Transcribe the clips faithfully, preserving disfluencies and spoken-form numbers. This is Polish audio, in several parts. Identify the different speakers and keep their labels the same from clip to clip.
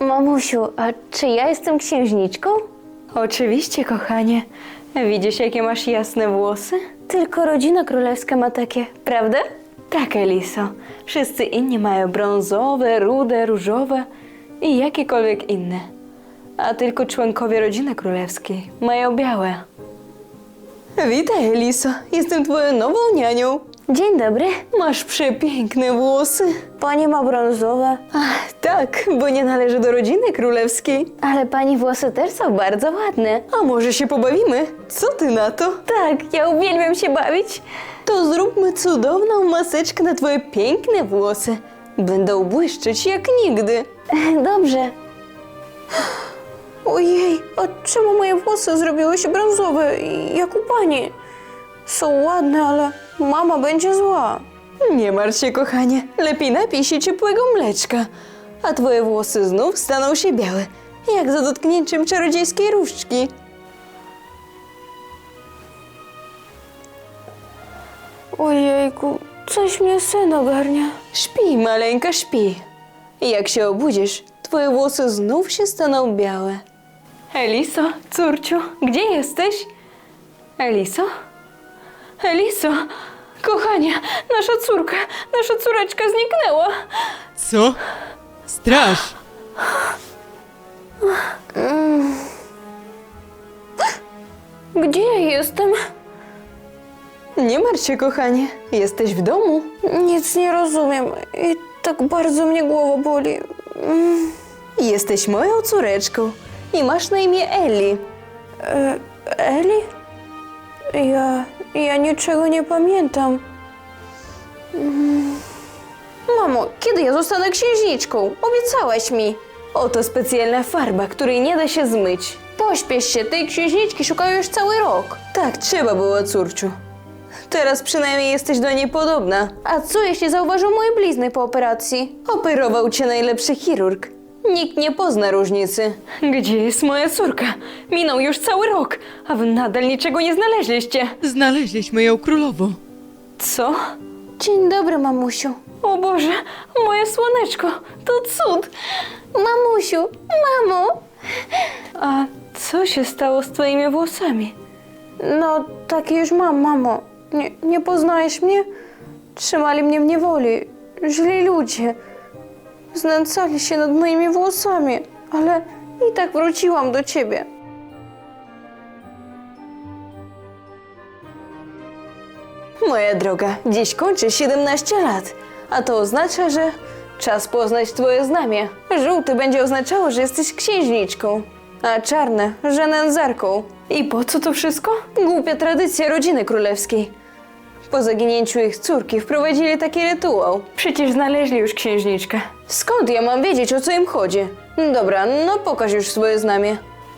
Speaker 1: Mamusiu, a czy ja jestem księżniczką?
Speaker 2: Oczywiście, kochanie. Widzisz, jakie masz jasne włosy?
Speaker 1: Tylko rodzina królewska ma takie, prawda?
Speaker 2: Tak, Eliso. Wszyscy inni mają brązowe, rude, różowe i jakiekolwiek inne. A tylko członkowie rodziny królewskiej mają białe. Witaj, Eliso. Jestem twoją nową nianią.
Speaker 1: Dzień dobry.
Speaker 2: Masz przepiękne włosy.
Speaker 1: Pani ma brązowe,
Speaker 2: Ach, tak, bo nie należy do rodziny królewskiej.
Speaker 1: ale pani włosy też są bardzo ładne.
Speaker 2: A może się pobawimy? Co ty na to?
Speaker 1: Tak, ja uwielbiam się bawić.
Speaker 2: To zróbmy cudowną maseczkę na twoje piękne włosy. Będą błyszczeć jak nigdy.
Speaker 1: Dobrze. Ojej, a czemu moje włosy zrobiły się brązowe, jak u pani? Są ładne, ale mama będzie zła.
Speaker 2: Nie martw się, kochanie. Lepiej napij się ciepłego mleczka. A twoje włosy znów staną się białe, jak za dotknięciem czarodziejskiej różdżki.
Speaker 1: Ojejku, coś mnie sen ogarnia.
Speaker 2: Śpi, maleńka, śpi. I jak się obudzisz, twoje włosy znów się staną białe. Eliso, córciu, gdzie jesteś? Eliso? Eliso, kochanie, nasza córka, nasza córeczka zniknęła.
Speaker 3: Co? Straż!
Speaker 1: Gdzie ja jestem?
Speaker 2: Nie martw się, kochanie, jesteś w domu.
Speaker 1: Nic nie rozumiem i tak bardzo mnie głowa boli. Mm,
Speaker 2: Jesteś moją córeczką i masz na imię Eli.
Speaker 1: e, Eli? Ja, ja niczego nie pamiętam. Mm. Mamo, kiedy ja zostanę księżniczką? Obiecałaś mi.
Speaker 2: Oto specjalna farba, której nie da się zmyć.
Speaker 1: Pośpiesz się, tej księżniczki szukają już cały rok.
Speaker 2: Tak trzeba było, córciu. Teraz przynajmniej jesteś do niej podobna.
Speaker 1: A co jeśli zauważył moje blizny po operacji?
Speaker 2: Operował cię najlepszy chirurg. Nikt nie pozna różnicy. Gdzie jest moja córka? Minął już cały rok, a wy nadal niczego nie znaleźliście.
Speaker 3: Znaleźliśmy ją królowo.
Speaker 2: Co?
Speaker 1: Dzień dobry, mamusiu.
Speaker 2: O Boże, moje słoneczko, to cud.
Speaker 1: Mamusiu, mamo!
Speaker 2: A co się stało z twoimi włosami?
Speaker 1: No, takie już mam, mamo. Nie, nie poznajesz mnie? Trzymali mnie w niewoli. Źli ludzie. Znęcali się nad moimi włosami, ale i tak wróciłam do ciebie.
Speaker 2: Moja droga, dziś kończy siedemnaście lat, a to oznacza, że czas poznać twoje znamie. Żółty będzie oznaczało, że jesteś księżniczką, a czarne, że nędzarką. I po co to wszystko? Głupia tradycja rodziny królewskiej. Po zaginięciu ich córki wprowadzili taki rytuał. Przecież znaleźli już księżniczkę. Skąd ja mam wiedzieć, o co im chodzi? Dobra, no pokaż już swoje znamie.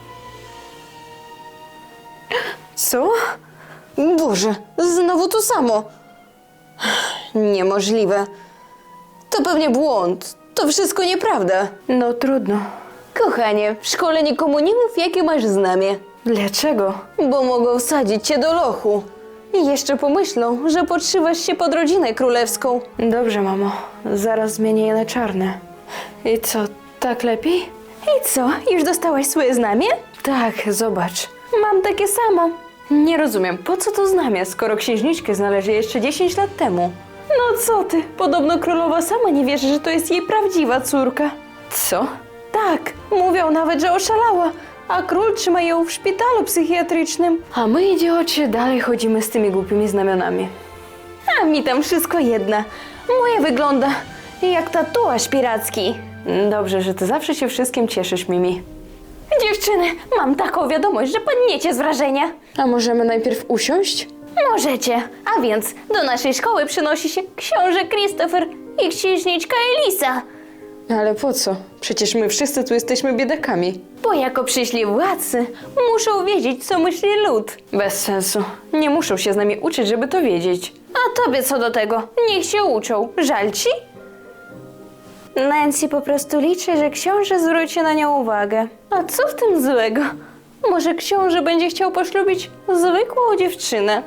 Speaker 2: Co? Boże, znowu to samo. Niemożliwe. To pewnie błąd. To wszystko nieprawda. No trudno. Kochanie, w szkole nikomu nie mów, jakie masz znamie. Dlaczego? Bo mogą wsadzić cię do lochu. I jeszcze pomyślą, że podszywasz się pod rodzinę królewską. Dobrze, mamo. Zaraz zmienię je na czarne. I co, tak lepiej? I co, już dostałaś swoje znamie? Tak, zobacz. Mam takie samo. Nie rozumiem, po co to znamie, skoro księżniczkę znaleźli jeszcze dziesięć lat temu? No co ty, podobno królowa sama nie wierzy, że to jest jej prawdziwa córka. Co? Tak, mówią nawet, że oszalała, a król trzyma ją w szpitalu psychiatrycznym. A my, idioci, dalej chodzimy z tymi głupimi znamionami. A mi tam wszystko jedna. Moje wygląda jak tatuaż piracki. Dobrze, że ty zawsze się wszystkim cieszysz, Mimi. Dziewczyny, mam taką wiadomość, że padniecie z wrażenia. A możemy najpierw usiąść? Możecie. A więc do naszej szkoły przynosi się książę Christopher i księżniczka Elisa. Ale po co? Przecież my wszyscy tu jesteśmy biedakami. Bo jako przyszli władcy muszą wiedzieć, co myśli lud. Bez sensu. Nie muszą się z nami uczyć, żeby to wiedzieć. A tobie co do tego? Niech się uczą. Żal ci? Nancy po prostu liczy, że książę zwróci na nią uwagę. A co w tym złego? Może książę będzie chciał poślubić zwykłą dziewczynę?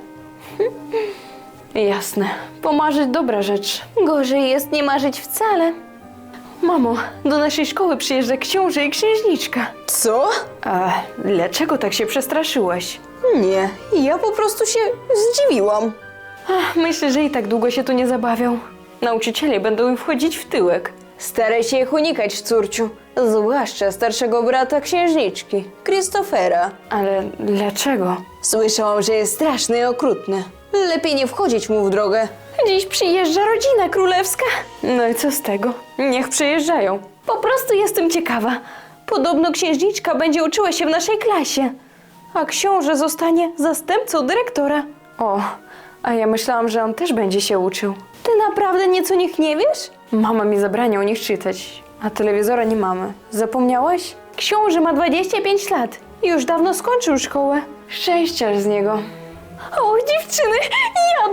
Speaker 2: Jasne. Pomarzyć dobra rzecz. Gorzej jest nie marzyć wcale.
Speaker 1: Mamo, do naszej szkoły przyjeżdża książę i księżniczka.
Speaker 2: Co?
Speaker 1: A dlaczego tak się przestraszyłaś?
Speaker 2: Nie, ja po prostu się zdziwiłam.
Speaker 1: Ach, myślę, że i tak długo się tu nie zabawią. Nauczyciele będą im wchodzić w tyłek.
Speaker 2: Staraj się ich unikać, córciu. Zwłaszcza starszego brata księżniczki, Christophera.
Speaker 1: Ale dlaczego?
Speaker 2: Słyszałam, że jest straszny i okrutny. Lepiej nie wchodzić mu w drogę.
Speaker 1: Dziś przyjeżdża rodzina królewska. No i co z tego? Niech przyjeżdżają. Po prostu jestem ciekawa. Podobno księżniczka będzie uczyła się w naszej klasie, a książę zostanie zastępcą dyrektora. O, a ja myślałam, że on też będzie się uczył. Ty naprawdę nic o nich nie wiesz? Mama mi zabrania o nich czytać, a telewizora nie mamy. Zapomniałaś? Książę ma dwadzieścia pięć lat i już dawno skończył szkołę. Szczęście z niego. O, dziewczyny, jadą!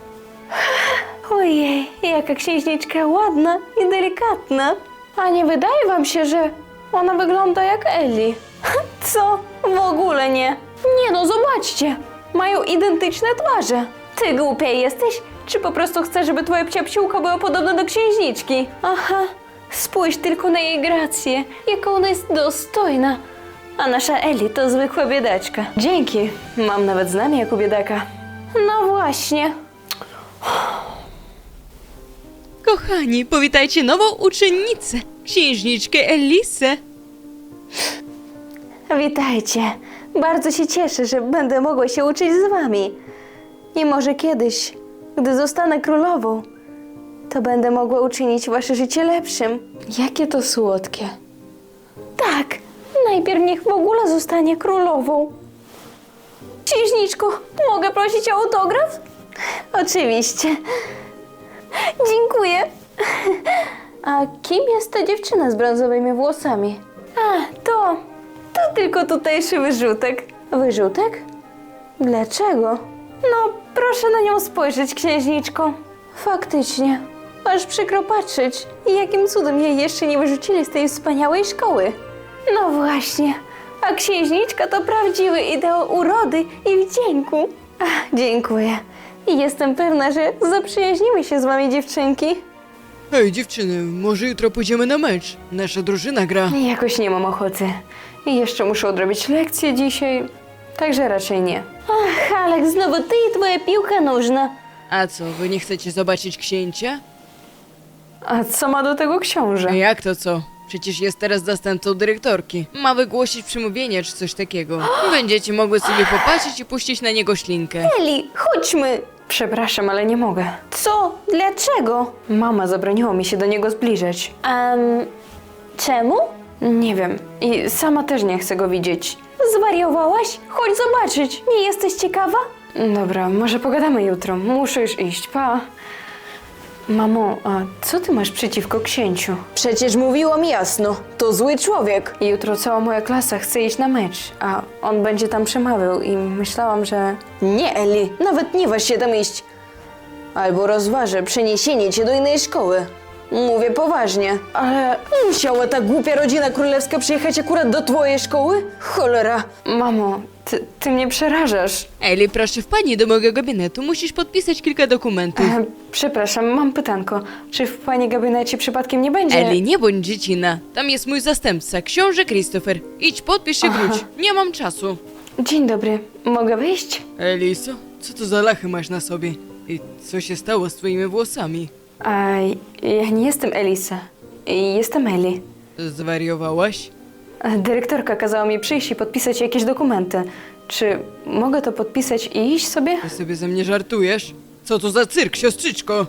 Speaker 1: Ojej, jaka księżniczka ładna i delikatna. A nie wydaje wam się, że ona wygląda jak Ellie? Co? W ogóle nie. Nie no, zobaczcie. Mają identyczne twarze. Ty głupia jesteś? Czy po prostu chcesz, żeby twoja psiapsiłka była podobna do księżniczki? Aha, spójrz tylko na jej grację, jaka ona jest dostojna. A nasza Ellie to zwykła biedaczka. Dzięki, mam nawet znamię jako biedaka. No właśnie.
Speaker 3: Kochani, powitajcie nową uczennicę, księżniczkę Elisę.
Speaker 1: Witajcie. Bardzo się cieszę, że będę mogła się uczyć z wami. I może kiedyś, gdy zostanę królową, to będę mogła uczynić wasze życie lepszym. Jakie to słodkie. Tak, najpierw niech w ogóle zostanie królową. Księżniczko, mogę prosić o autograf? Oczywiście. Dziękuję. A kim jest ta dziewczyna z brązowymi włosami? A, to... to tylko tutejszy wyrzutek. Wyrzutek? Dlaczego? No, proszę na nią spojrzeć, księżniczko. Faktycznie. Aż przykro patrzeć, jakim cudem jej jeszcze nie wyrzucili z tej wspaniałej szkoły. No właśnie. A księżniczka to prawdziwy ideał urody i wdzięku. Ach, dziękuję. I jestem pewna, że zaprzyjaźnimy się z wami, dziewczynki.
Speaker 3: Hej dziewczyny, może jutro pójdziemy na mecz? Nasza drużyna gra.
Speaker 1: Jakoś nie mam ochoty. I jeszcze muszę odrobić lekcję dzisiaj, także raczej nie. Ach, Alek, znowu ty i twoja piłka nożna.
Speaker 3: A co, wy nie chcecie zobaczyć księcia?
Speaker 1: A co ma do tego książę?
Speaker 3: Jak to co? Przecież jest teraz zastępcą dyrektorki. Ma wygłosić przemówienie czy coś takiego. Będziecie mogły sobie popatrzeć i puścić na niego ślinkę.
Speaker 1: Eli, chodźmy! Przepraszam, ale nie mogę. Co? Dlaczego? Mama zabroniła mi się do niego zbliżać. Um, czemu? Nie wiem. I sama też nie chcę go widzieć. Zwariowałaś? Chodź zobaczyć. Nie jesteś ciekawa? Dobra, może pogadamy jutro. Muszę już iść. Pa. Mamo, a co ty masz przeciwko księciu?
Speaker 2: Przecież mówiłam jasno, to zły człowiek.
Speaker 1: Jutro cała moja klasa chce iść na mecz, a on będzie tam przemawiał i myślałam, że...
Speaker 2: Nie, Eli, nawet nie waż się tam iść. Albo rozważę przeniesienie cię do innej szkoły. Mówię poważnie.
Speaker 1: Ale...
Speaker 2: Musiała ta głupia rodzina królewska przyjechać akurat do twojej szkoły? Cholera.
Speaker 1: Mamo, ty, ty mnie przerażasz.
Speaker 3: Eli, proszę wpadnij do mojego gabinetu, musisz podpisać kilka dokumentów.
Speaker 1: E, przepraszam, mam pytanko. Czy w pani gabinecie przypadkiem nie będzie...
Speaker 3: Eli, nie bądź dziecina. Tam jest mój zastępca, książę Christopher. Idź, podpisz się, wróć. Nie mam czasu.
Speaker 1: Dzień dobry, mogę wyjść?
Speaker 3: Eliso, co to za lachy masz na sobie? I co się stało z twoimi włosami?
Speaker 1: A, ja nie jestem Elisa. Jestem Eli.
Speaker 3: Zwariowałaś?
Speaker 1: E, Dyrektorka kazała mi przyjść i podpisać jakieś dokumenty. Czy mogę to podpisać i iść sobie?
Speaker 3: Ty sobie ze mnie żartujesz? Co to za cyrk, siostrzyczko?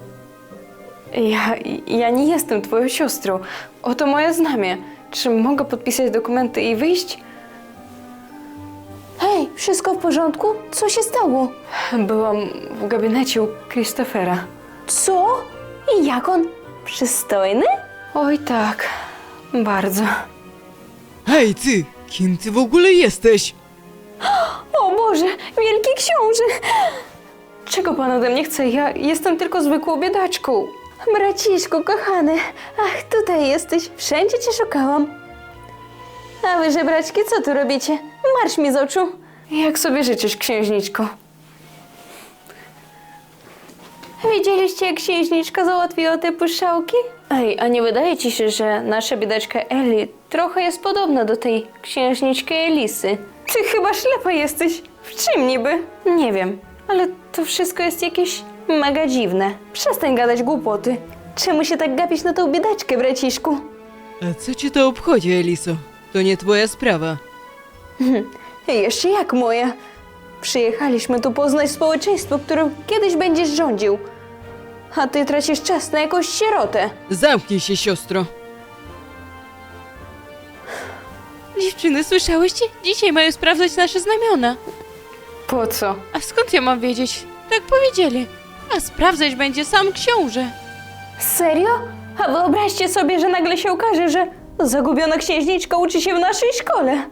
Speaker 1: Ja, ja nie jestem twoją siostrą. Oto moje znamie. Czy mogę podpisać dokumenty i wyjść? Hej, wszystko w porządku? Co się stało? Byłam w gabinecie u Christophera. Co? I jak on? Przystojny? Oj tak, bardzo.
Speaker 3: Hej ty, kim ty w ogóle jesteś?
Speaker 1: O Boże, wielki książę! Czego pan ode mnie chce? Ja jestem tylko zwykłą biedaczką. Braciszku, kochany, ach, tutaj jesteś. Wszędzie cię szukałam. A wy, żebraczki, co tu robicie? Marsz mi z oczu. Jak sobie życzysz, księżniczko? Widzieliście, jak księżniczka załatwiła te puszczałki? Ej, a nie wydaje ci się, że nasza biedaczka Ellie trochę jest podobna do tej księżniczki Elisy? Ty chyba ślepa jesteś. W czym niby? Nie wiem, ale to wszystko jest jakieś mega dziwne. Przestań gadać głupoty. Czemu się tak gapisz na tą biedaczkę, braciszku?
Speaker 3: A co cię to obchodzi, Eliso? To nie twoja sprawa.
Speaker 1: Jeszcze jak moja. Przyjechaliśmy tu poznać społeczeństwo, którym kiedyś będziesz rządził. A ty tracisz czas na jakąś sierotę.
Speaker 3: Zamknij się, siostro. Dziewczyny, słyszałyście? Dzisiaj mają sprawdzać nasze znamiona.
Speaker 1: Po co?
Speaker 3: A skąd ja mam wiedzieć? Tak powiedzieli. A sprawdzać będzie sam książę.
Speaker 1: Serio? A wyobraźcie sobie, że nagle się okaże, że zagubiona księżniczka uczy się w naszej szkole.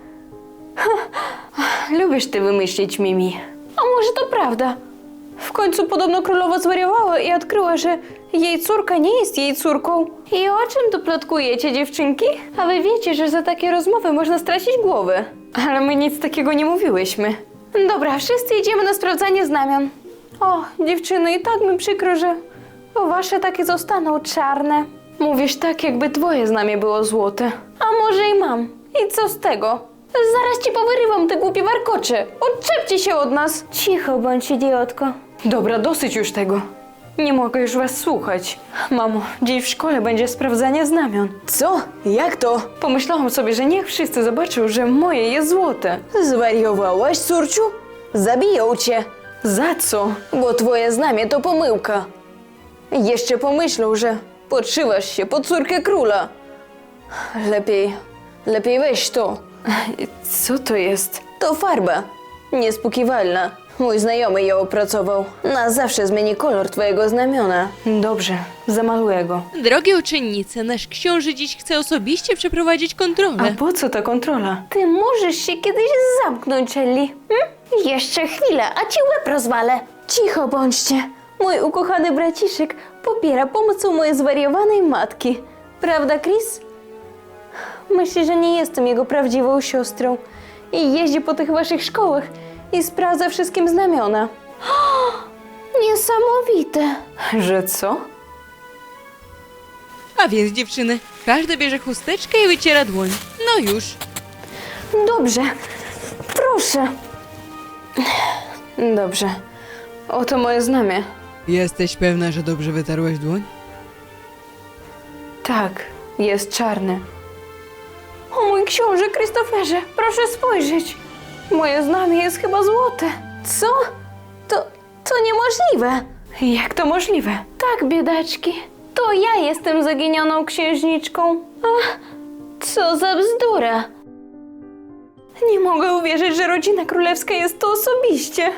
Speaker 1: Lubisz ty wymyślić, Mimi. A może to prawda? W końcu podobno królowa zwariowała i odkryła, że jej córka nie jest jej córką. I o czym tu plotkujecie, dziewczynki? A wy wiecie, że za takie rozmowy można stracić głowę. Ale my nic takiego nie mówiłyśmy. Dobra, wszyscy idziemy na sprawdzanie znamion. O, dziewczyny, i tak mi przykro, że wasze takie zostaną czarne. Mówisz tak, jakby twoje znamie było złote. A może i mam. I co z tego? Zaraz ci powyrywam te głupie warkocze. Odczepcie się od nas. Cicho bądź, idiotko. Dobra, dosyć już tego. Nie mogę już was słuchać. Mamo, dziś w szkole będzie sprawdzanie znamion.
Speaker 2: Co? Jak to?
Speaker 1: Pomyślałam sobie, że niech wszyscy zobaczą, że moje jest złote.
Speaker 2: Zwariowałaś, córciu? Zabiją cię,
Speaker 1: Za co?
Speaker 2: bo twoje znamie to pomyłka. Jeszcze pomyślą, że podszywasz się pod córkę króla. Lepiej, lepiej weź to.
Speaker 1: Co to jest?
Speaker 2: To farba, niespłukiwalna. Mój znajomy ją opracował. Na zawsze zmieni kolor twojego znamiona.
Speaker 1: Dobrze, zamaluję go.
Speaker 3: Drogie uczennice, nasz książę dziś chce osobiście przeprowadzić kontrolę.
Speaker 1: A po co ta kontrola?
Speaker 2: Ty możesz się kiedyś zamknąć, Ellie. Hm? Jeszcze chwilę, a ci łeb rozwalę. Cicho bądźcie. Mój ukochany braciszek popiera pomocą mojej zwariowanej matki. Prawda, Chris? Myśli, że nie jestem jego prawdziwą siostrą. I jeździ po tych waszych szkołach i sprawdza wszystkim znamiona. Niesamowite.
Speaker 1: Że co?
Speaker 3: A więc, dziewczyny, każda bierze chusteczkę i wyciera dłoń. No już.
Speaker 1: Dobrze, proszę. Dobrze. Oto moje znamie.
Speaker 3: Jesteś pewna, że dobrze wytarłaś dłoń?
Speaker 1: Tak, jest czarny. O mój książę Christopherze, proszę spojrzeć. Moje znamie jest chyba złote.
Speaker 2: Co? To, to niemożliwe.
Speaker 1: Jak to możliwe?
Speaker 2: Tak, biedaczki. To ja jestem zaginioną księżniczką. Ach, co za bzdura.
Speaker 1: Nie mogę uwierzyć, że rodzina królewska jest tu osobiście.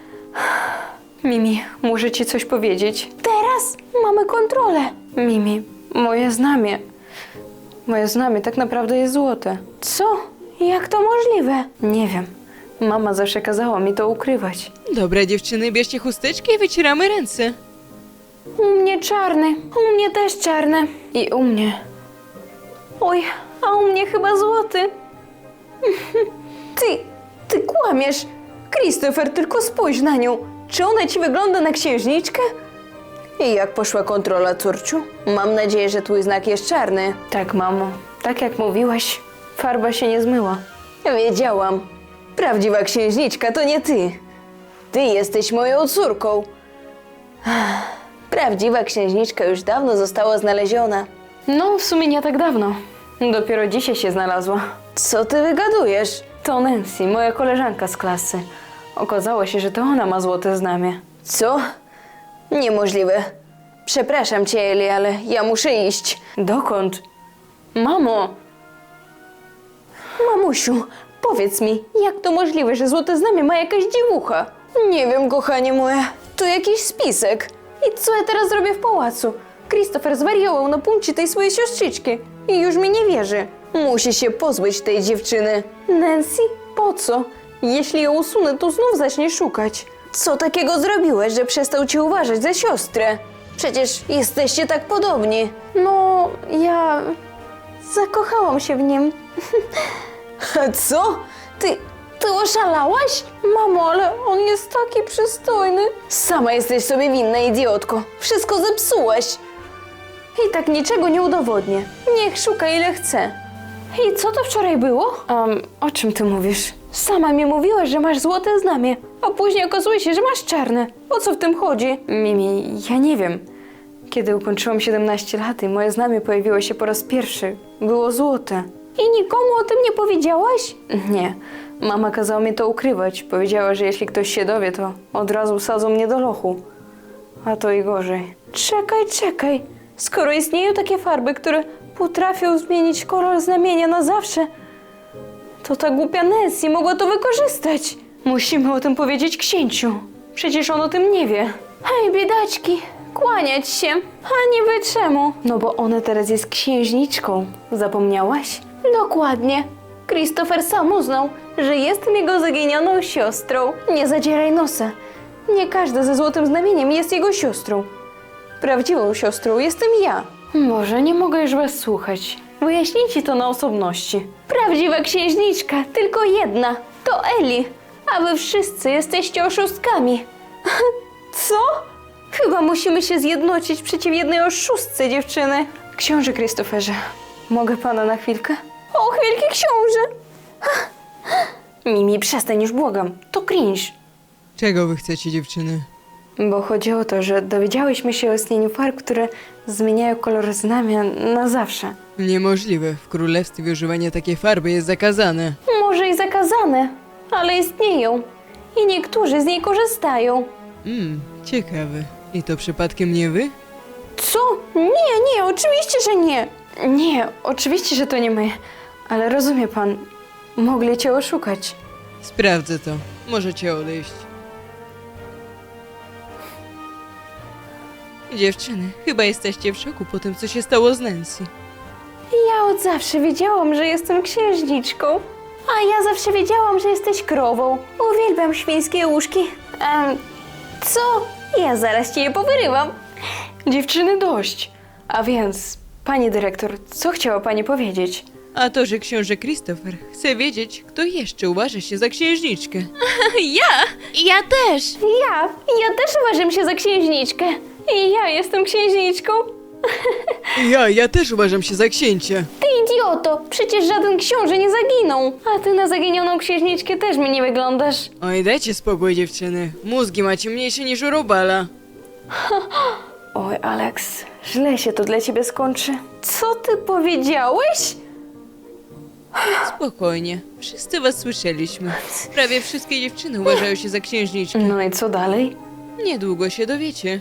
Speaker 1: Mimi, muszę ci coś powiedzieć.
Speaker 2: Teraz mamy kontrolę.
Speaker 1: Mimi, moje znamie. Moje znamie tak naprawdę jest złote.
Speaker 2: Co? Jak to możliwe?
Speaker 1: Nie wiem. Mama zawsze kazała mi to ukrywać.
Speaker 3: Dobra, dziewczyny, bierzcie chusteczkę i wycieramy ręce.
Speaker 1: U mnie czarny. U mnie też czarny. I u mnie.
Speaker 2: Oj, a u mnie chyba złoty. Ty, ty kłamiesz. Christopher, tylko spójrz na nią. Czy ona ci wygląda na księżniczkę? I jak poszła kontrola, córciu? Mam nadzieję, że twój znak jest czarny.
Speaker 1: Tak, mamo. Tak jak mówiłaś, farba się nie zmyła.
Speaker 2: Wiedziałam. Prawdziwa księżniczka to nie ty. Ty jesteś moją córką. Prawdziwa księżniczka już dawno została znaleziona.
Speaker 1: No, w sumie nie tak dawno. Dopiero dzisiaj się znalazła.
Speaker 2: Co ty wygadujesz?
Speaker 1: To Nancy, moja koleżanka z klasy. Okazało się, że to ona ma złote znamie.
Speaker 2: Co? Niemożliwe. Przepraszam cię, Eli, ale ja muszę iść.
Speaker 1: Dokąd? Mamo!
Speaker 2: Mamusiu, powiedz mi, jak to możliwe, że złote znamie ma jakaś dziewucha? Nie wiem, kochanie moje. To jakiś spisek. I co ja teraz zrobię w pałacu? Christopher zwariował na punkcie tej swojej siostrzyczki i już mi nie wierzy. Musi się pozbyć tej dziewczyny. Nancy? Po co? Jeśli ją usunę, to znów zacznie szukać. Co takiego zrobiłeś, że przestał cię uważać za siostrę? Przecież jesteście tak podobni.
Speaker 1: No, ja zakochałam się w nim.
Speaker 2: A co? Ty, ty oszalałaś?
Speaker 1: Mamo, ale on jest taki przystojny.
Speaker 2: Sama jesteś sobie winna, idiotko. Wszystko zepsułaś.
Speaker 1: I tak niczego nie udowodnię. Niech szuka ile chce. I co to wczoraj było? Um, o czym ty mówisz? Sama mi mówiłaś, że masz złote znamie, a później okazuje się, że masz czarne. O co w tym chodzi? Mimi, ja nie wiem. Kiedy ukończyłam siedemnaście lat i moje znamie pojawiło się po raz pierwszy, było złote. I nikomu o tym nie powiedziałaś? Nie. Mama kazała mi to ukrywać. Powiedziała, że jeśli ktoś się dowie, to od razu sadzą mnie do lochu. A to i gorzej. Czekaj, czekaj. Skoro istnieją takie farby, które potrafią zmienić kolor znamienia na zawsze, to ta głupia Nancy mogła to wykorzystać. Musimy o tym powiedzieć księciu. Przecież on o tym nie wie. Hej, biedaczki, kłaniać się. A niby czemu? No bo ona teraz jest księżniczką. Zapomniałaś? Dokładnie. Christopher sam uznał, że jestem jego zaginioną siostrą. Nie zadzieraj nosa. Nie każda ze złotym znamieniem jest jego siostrą. Prawdziwą siostrą jestem ja. Może nie mogę już was słuchać. Wyjaśnijcie to na osobności. Prawdziwa księżniczka, tylko jedna. To Eli. A wy wszyscy jesteście oszustkami. Co? Chyba musimy się zjednoczyć przeciw jednej oszustce, dziewczyny. Książę Christopherze, mogę pana na chwilkę? Och, wielki książę! Mimi, przestań już, błagam. To cringe.
Speaker 3: Czego wy chcecie, dziewczyny?
Speaker 1: Bo chodzi o to, że dowiedziałyśmy się o istnieniu farb, które zmieniają kolor znamia na zawsze.
Speaker 3: Niemożliwe. W królestwie używanie takiej farby jest zakazane.
Speaker 1: Może i zakazane, ale istnieją. I niektórzy z niej korzystają.
Speaker 3: Mmm, ciekawe. I to przypadkiem nie wy?
Speaker 1: Co? Nie, nie, oczywiście, że nie. Nie, oczywiście, że to nie my. Ale rozumie pan, mogli cię oszukać.
Speaker 3: Sprawdzę to. Możecie odejść. Dziewczyny, chyba jesteście w szoku po tym, co się stało z Nancy.
Speaker 1: Ja od zawsze wiedziałam, że jestem księżniczką. A ja zawsze wiedziałam, że jesteś krową. Uwielbiam świńskie łóżki. Em, co? Ja zaraz ci je powyrywam. Dziewczyny, dość. A więc, pani dyrektor, co chciała pani powiedzieć?
Speaker 3: A to, że książę Christopher chce wiedzieć, kto jeszcze uważa się za księżniczkę.
Speaker 2: Ja! Ja też!
Speaker 1: Ja, ja też uważam się za księżniczkę. I ja jestem księżniczką.
Speaker 3: Ja, ja też uważam się za księcia.
Speaker 1: Ty idioto, przecież żaden książę nie zaginął. A ty na zaginioną księżniczkę też mi nie wyglądasz.
Speaker 3: Oj, dajcie spokój, dziewczyny. Mózgi macie mniejsze niż u robala.
Speaker 1: Oj, Alex, źle się to dla ciebie skończy. Co ty powiedziałeś?
Speaker 3: Spokojnie. Wszyscy was słyszeliśmy. Prawie wszystkie dziewczyny uważają się za księżniczki.
Speaker 1: No i co dalej?
Speaker 3: Niedługo się dowiecie.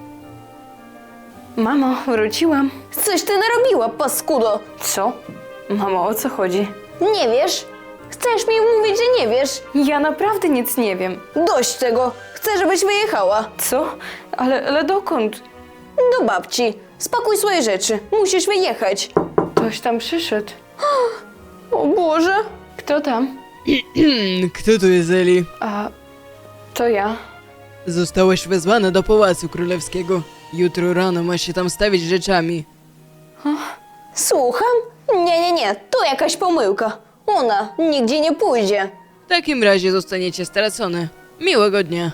Speaker 1: Mamo, wróciłam.
Speaker 2: Coś ty narobiła, paskudo!
Speaker 1: Co? Mamo, o co chodzi?
Speaker 2: Nie wiesz? Chcesz mi mówić, że nie wiesz?
Speaker 1: Ja naprawdę nic nie wiem.
Speaker 2: Dość tego! Chcę, żebyś wyjechała.
Speaker 1: Co? Ale, ale dokąd?
Speaker 2: Do babci. Spakuj swoje rzeczy. Musisz wyjechać.
Speaker 1: Ktoś tam przyszedł.
Speaker 2: O Boże!
Speaker 1: Kto tam?
Speaker 3: Kto tu jest Eli?
Speaker 1: A, to ja.
Speaker 3: Zostałeś wezwana do Pałacu Królewskiego. Jutro rano masz się tam stawić rzeczami.
Speaker 2: Słucham? Nie, nie, nie. To jakaś pomyłka. Ona nigdzie nie pójdzie.
Speaker 3: W takim razie zostaniecie stracone. Miłego dnia.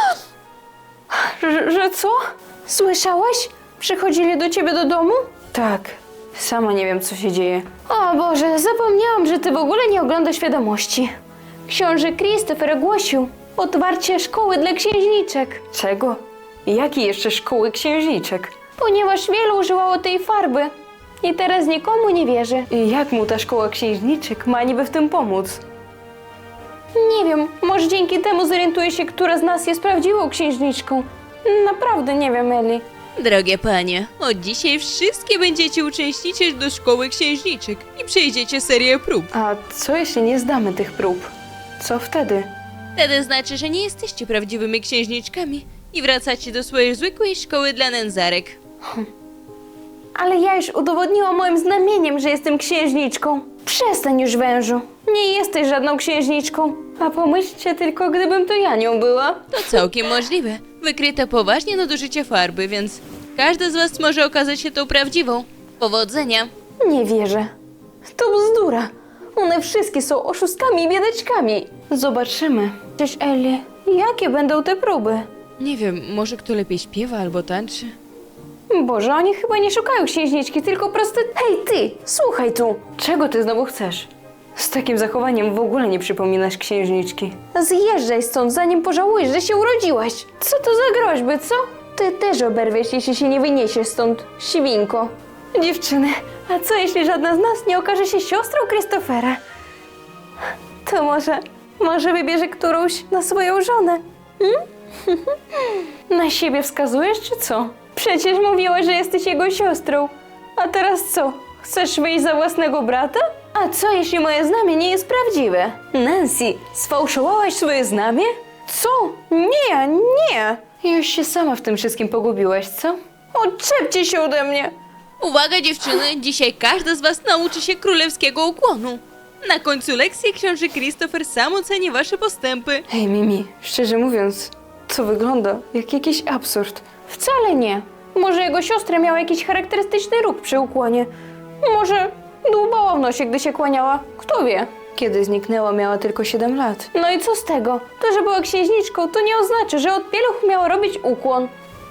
Speaker 1: Że, że co? Słyszałaś? Przychodzili do ciebie do domu? Tak. Sama nie wiem, co się dzieje. O Boże, zapomniałam, że ty w ogóle nie oglądasz wiadomości. Książę Christopher ogłosił otwarcie szkoły dla księżniczek. Czego? Jakiej jeszcze szkoły księżniczek? Ponieważ wielu używało tej farby i teraz nikomu nie wierzy. I jak mu ta szkoła księżniczek ma niby w tym pomóc? Nie wiem, może dzięki temu zorientuje się, która z nas jest prawdziwą księżniczką. Naprawdę nie wiem, Eli.
Speaker 3: Drogie panie, od dzisiaj wszystkie będziecie uczęszniczyć do szkoły księżniczek i przejdziecie serię prób.
Speaker 1: A co jeśli nie zdamy tych prób? Co wtedy?
Speaker 3: Wtedy znaczy, że nie jesteście prawdziwymi księżniczkami i wracacie do swojej zwykłej szkoły dla nędzarek.
Speaker 1: Ale ja już udowodniłam moim znamieniem, że jestem księżniczką. Przestań już, wężu. Nie jesteś żadną księżniczką. A pomyślcie tylko, gdybym to ja nią była.
Speaker 3: To całkiem możliwe. Wykryto poważnie nadużycie farby, więc każda z was może okazać się tą prawdziwą. Powodzenia!
Speaker 1: Nie wierzę. To bzdura. One wszystkie są oszustkami i biedaczkami. Zobaczymy. Cześć, Ellie. Jakie będą te próby?
Speaker 3: Nie wiem, może kto lepiej śpiewa albo tańczy?
Speaker 1: Boże, oni chyba nie szukają księżniczki, tylko proste... Hej, ty! Słuchaj tu! Czego ty znowu chcesz? Z takim zachowaniem w ogóle nie przypominasz księżniczki. Zjeżdżaj stąd, zanim pożałujesz, że się urodziłaś. Co to za groźby, co? Ty też oberwiesz, jeśli się nie wyniesiesz stąd, świnko. Dziewczyny, a co jeśli żadna z nas nie okaże się siostrą Christophera? To może, może wybierze którąś na swoją żonę? Hmm? Na siebie wskazujesz, czy co? Przecież mówiłaś, że jesteś jego siostrą. A teraz co? Chcesz wyjść za własnego brata? A co, jeśli moje znamie nie jest prawdziwe? Nancy, sfałszowałaś swoje znamie? Co? Nie, nie! Już się sama w tym wszystkim pogubiłaś, co? Odczepcie się ode mnie!
Speaker 3: Uwaga dziewczyny, dzisiaj każda z was nauczy się królewskiego ukłonu. Na końcu lekcji książę Christopher sam oceni wasze postępy.
Speaker 1: Hej, Mimi, szczerze mówiąc, to wygląda jak jakiś absurd. Wcale nie. Może jego siostra miała jakiś charakterystyczny róg przy ukłonie. Może dłubała w nosie, gdy się kłaniała. Kto wie? Kiedy zniknęła, miała tylko siedem lat. No i co z tego? To, że była księżniczką, to nie oznacza, że od pieluch miała robić ukłon.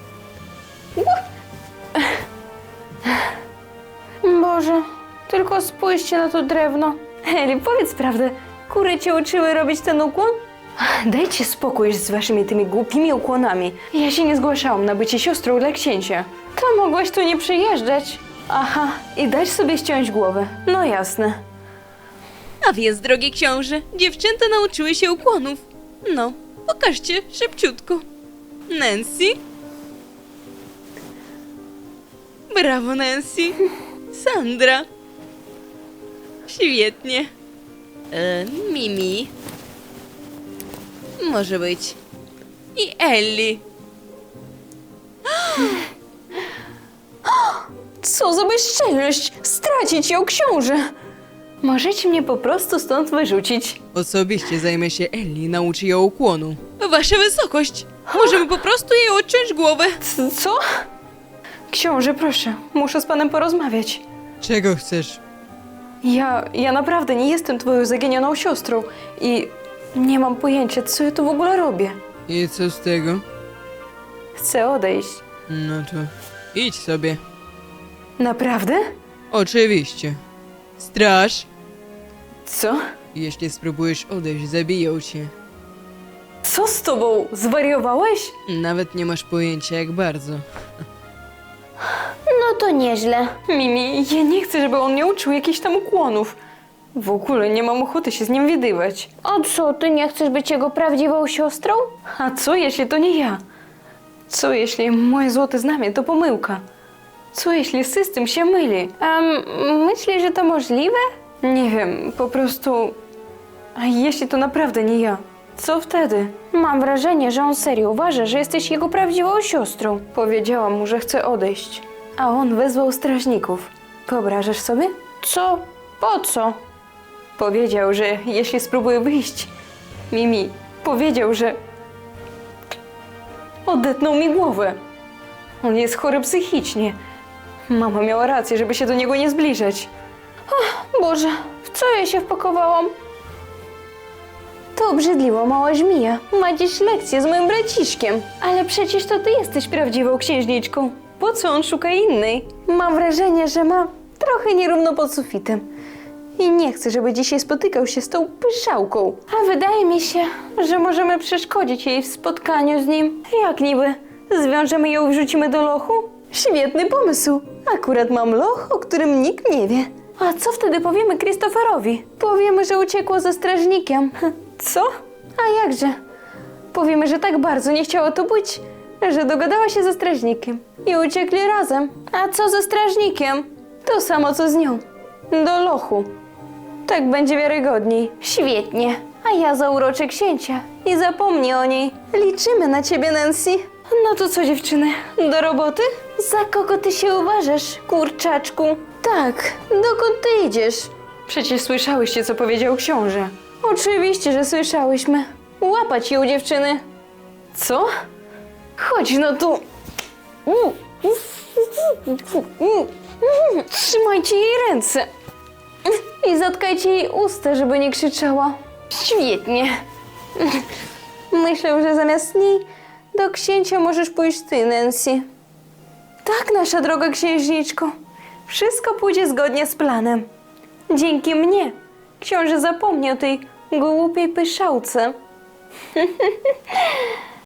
Speaker 1: Boże, tylko spójrzcie na to drewno. Eli, powiedz prawdę, kury cię uczyły robić ten ukłon? Dajcie spokój z waszymi tymi głupimi ukłonami. Ja się nie zgłaszałam na bycie siostrą dla księcia. To mogłaś tu nie przyjeżdżać. Aha, i dać sobie ściąć głowę. No jasne.
Speaker 3: A więc, drogi książę, dziewczęta nauczyły się ukłonów. No, pokażcie szybciutko. Nancy? Brawo, Nancy. Sandra? Świetnie. E, Mimi? Może być. I Ellie.
Speaker 1: Co za bezczelność! Stracić ją, książę! Możecie mnie po prostu stąd wyrzucić.
Speaker 3: Osobiście zajmę się Ellie, nauczy ją ukłonu. Wasza wysokość! Możemy po prostu jej odciąć głowę.
Speaker 1: C- Co? Książę, proszę, muszę z panem porozmawiać.
Speaker 3: Czego chcesz?
Speaker 1: Ja, ja naprawdę nie jestem twoją zaginioną siostrą i nie mam pojęcia, co ja tu w ogóle robię.
Speaker 3: I co z tego?
Speaker 1: Chcę odejść.
Speaker 3: No to idź sobie.
Speaker 1: Naprawdę?
Speaker 3: Oczywiście. Straż!
Speaker 1: Co?
Speaker 3: Jeśli spróbujesz odejść, zabiją cię.
Speaker 1: Co z tobą? Zwariowałeś?
Speaker 3: Nawet nie masz pojęcia jak bardzo.
Speaker 1: No to nieźle. Mimi, ja nie chcę, żeby on mnie uczył jakichś tam ukłonów. W ogóle nie mam ochoty się z nim widywać. A co, ty nie chcesz być jego prawdziwą siostrą? A co, jeśli to nie ja? Co, jeśli moje złote znamie to pomyłka? Co, jeśli system się myli? Um, myślisz, że to możliwe? Nie wiem, po prostu... A jeśli to naprawdę nie ja? Co wtedy? Mam wrażenie, że on serio uważa, że jesteś jego prawdziwą siostrą. Powiedziałam mu, że chce odejść. A on wezwał strażników. Wyobrażasz sobie? Co? Po co? Powiedział, że jeśli spróbuję wyjść... Mimi, powiedział, że... Odetnął mi głowę. On jest chory psychicznie. Mama miała rację, żeby się do niego nie zbliżać. Ach, Boże, w co ja się wpakowałam? To obrzydliwa mała żmija. Ma dziś lekcję z moim braciszkiem. Ale przecież to ty jesteś prawdziwą księżniczką. Po co on szuka innej? Mam wrażenie, że ma trochę nierówno pod sufitem. I nie chcę, żeby dzisiaj spotykał się z tą pyszałką. A wydaje mi się, że możemy przeszkodzić jej w spotkaniu z nim. Jak niby? Zwiążemy ją i wrzucimy do lochu? Świetny pomysł. Akurat mam loch, o którym nikt nie wie. A co wtedy powiemy Christopherowi? Powiemy, że uciekło ze strażnikiem. Co? A jakże? Powiemy, że tak bardzo nie chciało tu być, że dogadała się ze strażnikiem i uciekli razem. A co ze strażnikiem? To samo co z nią. Do lochu. Tak będzie wiarygodniej. Świetnie. A ja zauroczę księcia i zapomnij o niej. Liczymy na ciebie, Nancy. No to co, dziewczyny? Do roboty? Za kogo ty się uważasz, kurczaczku? Tak, dokąd ty idziesz? Przecież słyszałyście, co powiedział książę. Oczywiście, że słyszałyśmy. Łapać ją, dziewczyny. Co? Chodź no tu. Trzymajcie jej ręce. I zatkajcie jej usta, żeby nie krzyczała. Świetnie. Myślę, że zamiast niej do księcia możesz pójść ty, Nancy. Tak, nasza droga księżniczko. Wszystko pójdzie zgodnie z planem. Dzięki mnie książę zapomni o tej głupiej pyszałce.